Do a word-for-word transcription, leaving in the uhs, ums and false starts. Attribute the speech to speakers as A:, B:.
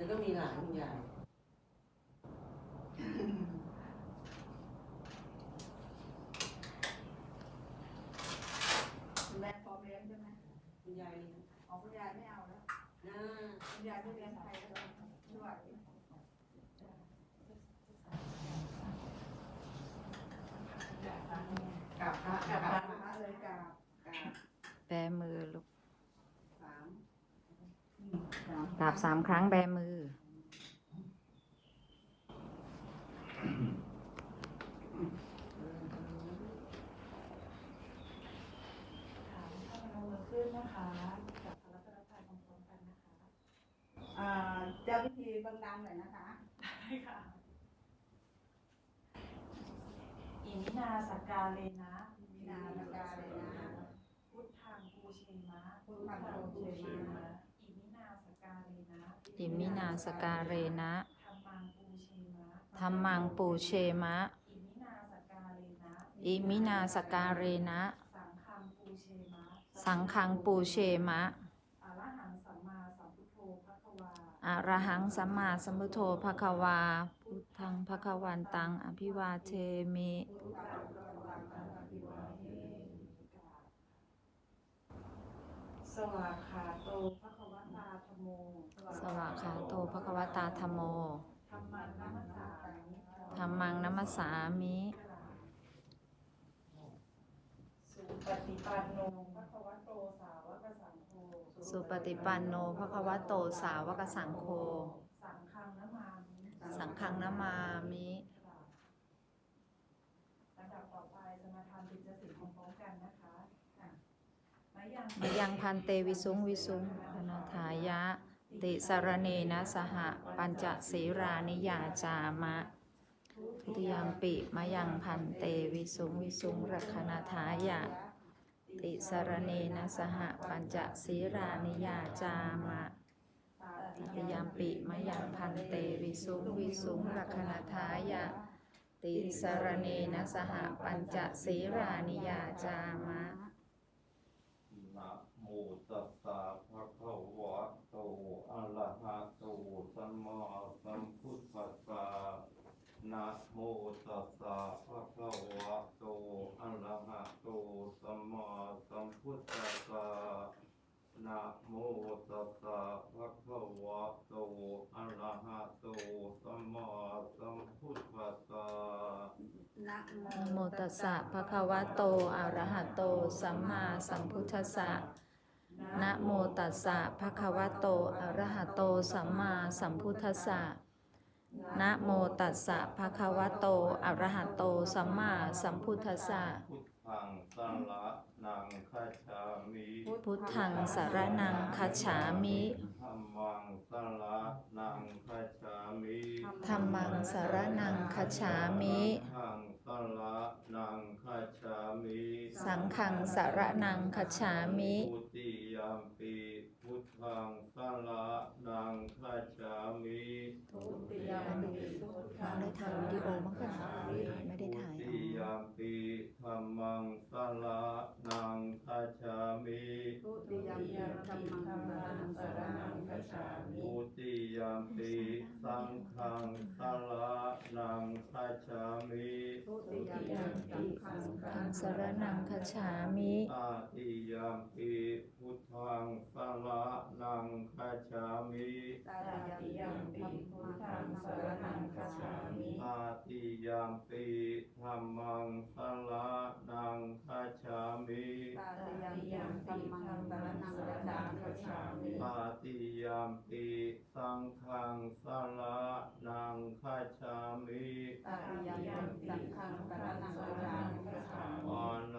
A: ก็มีหลานคุณยาย
B: คุณแม่พร้อมเลี้ยงใช่ไหม
A: คุณยายเลี้ยง
B: อ๋อคุณยายไม่เอาแล้วคุณยายไม่เลี้ยงใครแล้วด้วยกราบพระกราบพระเลยกราบกราบ
C: แบมือลูก
B: สาม
C: กราบสามครั้งแบมือ
D: ขึ้นนะคะกับพระรัตนตรัยพร้อมๆกันนะคะ
B: อ่าเจ้าพิธีดังๆหน่อยนะคะ
D: ได้ค่ะอิมินาสกกาเลนะ
B: อิมินาสกกาเลนะ
D: พุทธังปูเชมะ
B: พุทธังปูเชมะ
D: อิมินาสกกาเลนะ
C: อิมินาสการเรนะ
D: ธัมมังปูเชมะ
C: ธัมมังปูเชมะ
D: อิมินาสกกาเลนะ
C: อิมินาสการเรนะ
D: สังฆังปูเชมะ
C: สังฆังปูเชมะ
D: อะระหังสัมมาสัมพุทโธภควา
C: อะระหังสัมมาสัมพุทโธภควาพุทธังภควันตังอภิวาเทมิ
D: สวากขาโตภควตาธัมโม
C: สวากขาโตภควตาธัมโม
D: ธัมมังนัมสสามิ
C: ธัมมังนัมสสามิ
D: สุปฏิปันโนภควโตสาวกสังโฆ
C: สุปฏิปันโนภควโตสาวกสังโฆ
D: สังฆังนะมามิ
C: สังฆังนะมามิ
D: ลำดับต่อไปจะมาทำกิจสิทธิ์พร้อมๆกันนะคะม
C: ะยังพันเตวิสุงวิสุงพนาทายะติสรเนนะสหปัญจศีรานิยาจามะทุติยามปิมะยังพันเตวิสุงวิสุงรักนาทายะติสรเนนะสหปัญจศีรานิยาจามะทุติยามปิมะยังพันเตวิสุงวิสุงรักนาทายะติสรเนนะสหปัญจศีรานิยาจามะ
E: นะโมตัสสะภะคะวะโตอะระหะโตสัมมาสัมพุทธัสสะนะโมตัสสะภะคะวะโตอะระหะโตสัมมาสัมพุทธัสสะนะโมตัสสะภะคะวะโตอะระหะโตสัมมาสัมพุทธัสสะ
C: นะโมตัสสะภะคะวะโตอะระหะโตสัมมาสัมพุทธัสสะนะโมตัสสะภะคะวะโตอะระหะโตสัมมาสัมพุทธัสสะนะโมตัสสะภะคะวะโตอะระหะโตสัมมาสัมพุทธัสสะ
E: พุทธังสรณังคัจฉามิ
C: พุทธังสรณังคัจฉามิ
E: ธัมมังสรณังคัจฉามิ
C: ธัมมังสรณังคัจฉามิ
E: สังฆังสรณังคัจฉามิ
C: สังฆังสรณังคัจฉามิ
E: ทุติยามปิพุทธังสรณังคัจฉามิ
D: ทุติยามปิพุทธัง
C: ได้ถ่ายวิดีโอมั้งคะไม่ได้ถ่าย
E: ทุติยามปิธัมมังสรณังคัจฉามิ
B: ทุติยมปีธัมมังสรณังคัจฉามิ
E: ทุติยามปิสังฆังสรณังคัจฉามิ
B: ทุติยมปีสังฆัง
C: สรณังคัจฉามิ
E: ตาติยามปิพุทธังสรณังคัจฉามิ
B: ตาติยมปีพุทธังสรณังคัจฉามิ
E: ตาติยามปิธัมมังสรณังคัจฉามิ
B: ตาติยมปีธัมมังสรณังคัจฉามิ
E: ตาติยามปิสังฆังสรณังคัจฉามิ
B: ตาติยมปีสังฆังสรณังคัจฉามิ
E: ปานา